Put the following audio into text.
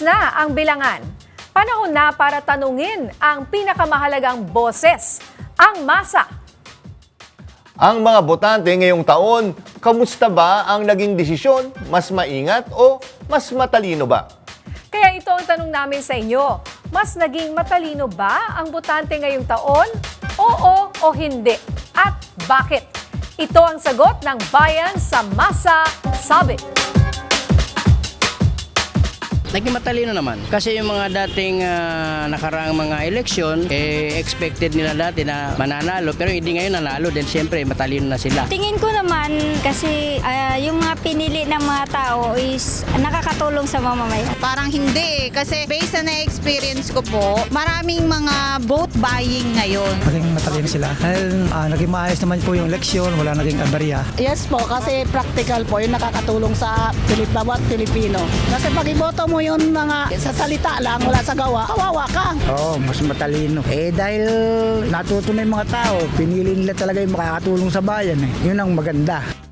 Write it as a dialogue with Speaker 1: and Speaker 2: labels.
Speaker 1: Tumaas na ang bilangan. Panahon na para tanungin ang pinakamahalagang boses, ang masa.
Speaker 2: Ang mga botante ngayong taon, kamusta ba ang naging desisyon? Mas maingat o mas matalino ba?
Speaker 1: Kaya ito ang tanong namin sa inyo. Mas naging matalino ba ang botante ngayong taon? Oo o hindi? At bakit? Ito ang sagot ng bayan sa Masa Sabi.
Speaker 3: Naging matalino naman. Kasi yung mga dating nakaraang mga eleksyon, expected nila dati na mananalo. Pero hindi ngayon nanalo. Then siyempre, matalino na sila.
Speaker 4: Tingin ko naman kasi yung mga pinili ng mga tao is nakakatulong sa mamamayan.
Speaker 5: Parang hindi kasi based na experience ko po, maraming mga vote buying ngayon.
Speaker 6: Naging matalino sila. Dahil naging maayos naman po yung eleksyon, wala naging aberya.
Speaker 7: Yes po, kasi practical po yung nakakatulong sa bawat Pilipino. Kasi pag iboto mo yung mga sa salita lang, wala sa gawa, kawawa ka.
Speaker 6: Oo, mas matalino. Dahil natuto na yung mga tao, pinili nila talaga yung makakatulong sa bayan. Yun ang maganda.